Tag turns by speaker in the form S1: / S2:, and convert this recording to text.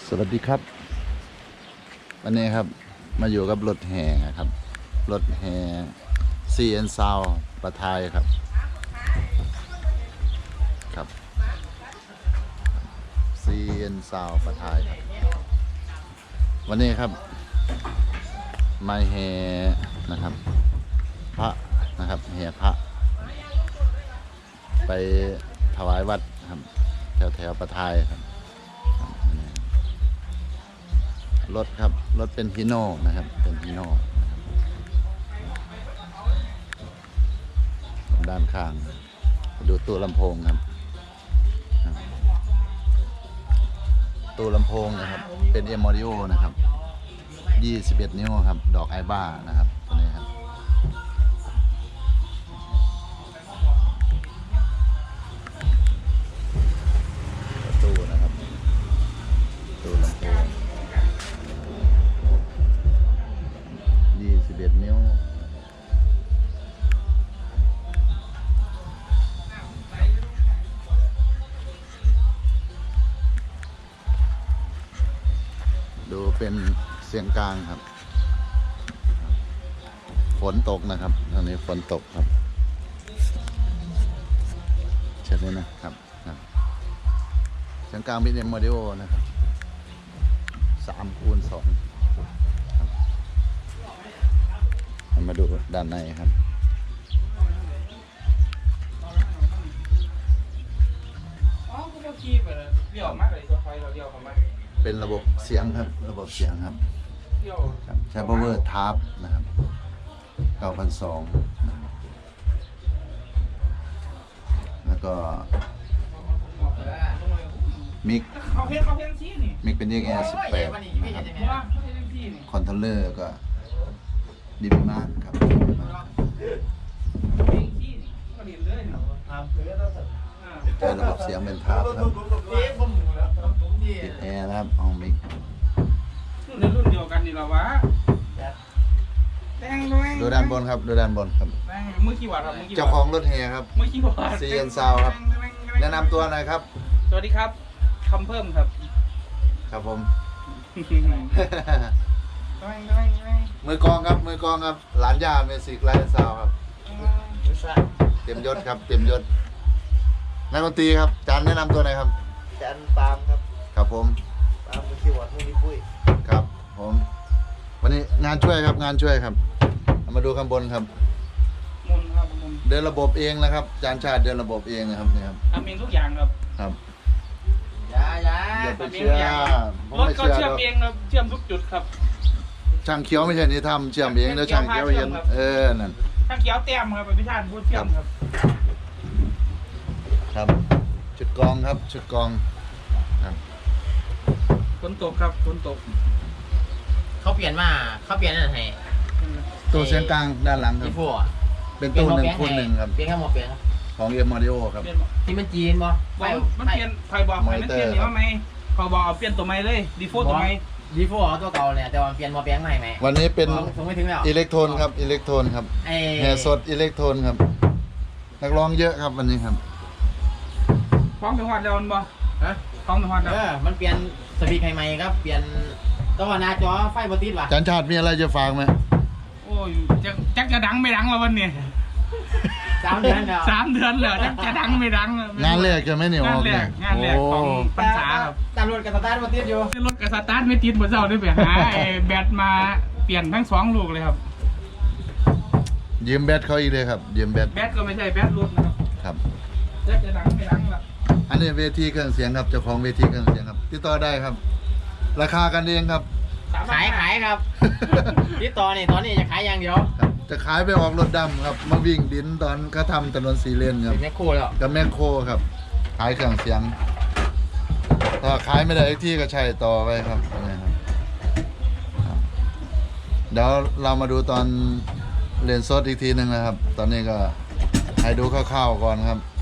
S1: สวัสดีครับวันนี้ครับมาอยู่กับรถแห่ครับรถแห่ซีเอ็นซาวประทายครับซีเอ็นซาวประทายครับวันนี้ครับมาแห่นะครับพระนะครับแห่พระไปถวายวัดครับแถวประทายครับรถครับรถเป็นฮีโน่นะครับเป็นฮีโน่ด้านข้างดูตู้ลำโพงครับตู้ลำโพงนะครับเป็นM Audioนะครับ21 นิ้วครับดอกไอบ้านะครับตัวนี้ครับตู้นะครับตู้ลำโพง21 นิ้วดูเป็นเสียงกลางครับฝนตกนะครับตอนนี้ฝนตกครับเช่นนี้นะครับเสียงกลางเป็นโมเดลนะครับ3x2มาดูด้านในครับเป็นระบบเสียงครับระบบเสียงครับใช้ power tab นะครับ9,200นะครับแล้วก็มิกเป็น XR18 นะครับคอนโทรลเลอร์ก็ดีมากครับใช้ระบบเสียงเป็นทาบครับติดแอร์นะครับเอามิก
S2: รุ่นเดียวกันนี่หรอวะ
S1: ดูด้านบนครับดูด้านบนครับ
S2: มือกี่วัตต์ครับ
S1: เจ้าของรถแห่ครับ
S2: มือกี่วัตต์
S1: ซีเอ็นซาวครับแนะนำตัวหน่อยครับ
S2: สวัสดีครับคำเพิ่มครับ
S1: ครับผมมือกองครับมือกองครับหลานย่าเมสิกไลท์ซาวครับเต็มยศครับเต็มยศนักดนตรีครับจานแนะนำตัวหน่อยครับ
S3: จานปาล์มครับ
S1: ครับผม
S3: ปาล์มมือคีย์บอร์ดมือนิ้วปุ้ย
S1: ครับผมวันนี้งานช่วยครับงานช่วยครับมาดูข้างบนครับ
S2: มุนครับมุน
S1: เดินระบบเองนะครับจานชาติเดินระบบเองนะครับนี่ครับ
S2: ทำเองทุกอย่างครับ
S1: ครับ
S3: อย่า
S1: อย่าไปเชื่อ
S2: รถก็เชื่อมเองครับเชื่อมทุกจุดครับ
S1: ช่างเขียวไม่ใช่นี่ทำเชื่อมเองแล้วช่างเขียวเห็นนั่น
S2: ช่างเขียวเต็มครับพิธานพูดเชื่อมครับ
S1: ครับชุดกองครับชุดกองครับ
S2: ฝนตกครับฝนตก
S3: เขาเปลี่ยนนั่นให้
S1: ตู้เสียงกลางด้านหลังครับเป็นตู้1x1ครับ
S3: เปลี่ยนแค่หมดเปลี่ยน
S1: ของM Audioครับ
S3: ที่มันจีนบ่
S2: มันเปลี่ยนใครบอกมันเปลี่ยนนี่ว่าไหมเขาบอกเอาเปลี่ยนตัวใหม่เลยดีโฟตัวใหม่
S3: ดีโฟตัวเก่าเนี่ยแต่ว่าเปลี่ยนมาแปลงใหม่ไหม
S1: วันนี้เป็น
S3: ไม่ถึงแล้ว
S1: อิเล็กโทนครับอิเล็กโทนครับแห่สดอิเล็กโทนครับนักร้องเยอะครับวันนี้ครับ
S2: ฟ้องเป็นวัดแล้วมันบ่ฮะฟ้องเป็นวัดแล้ว
S3: มันเปลี่ยนสปีกใหม่ครับเปลี่ยนตัวหน้าจอไฟบอติดว่ะ
S1: จันชาติมีอะไรจะฝากไหม
S2: โอ้ยจะดังไม่ดังแล้ววันนี้
S3: 3 เดือนแล้ว
S2: 3 เดือนแล้วจะดังไม่ดัง
S1: งานแรกจะไม่เหนียว
S2: งานแรกของพรรษาครับ
S3: ตามรถกับสตาร์ทมาติดอยู่
S2: รถกับสตาร์ทไม่ติดเหมือนเจ้าได้ไปหาแบตมาเปลี่ยนทั้ง2 ลูกเลยครับ
S1: ยืมแบตเขาอีกเลยครับยืมแบต
S2: ก็ไม่ใช่แบตรถนะครับ
S1: ครับ
S2: จะดังไม่ดังละ
S1: อันนี้เวทีเครื่องเสียงครับเจ้าของเวทีเครื่องเสียงครับติดต่อได้ครับราคากันเองครับ
S3: ขายครับติดต่อนี่ตอนนี้จะขายอย่างเดียว
S1: จะขายไปออกรถดำครับมาวิ่งดินตอนเขาทำถนน4 เลนครับ
S3: แมคโครแล้ว
S1: กับแมคโครครับขายเครื่องเสียงถ้าขายไม่ได้อีกที่ก็ใช้ต่อไปครับนี่ครับเดี๋ยวเรามาดูตอนเรียนสดอีกทีหนึ่งนะครับตอนนี้ก็ให้ดูคร่าวๆก่อนครับ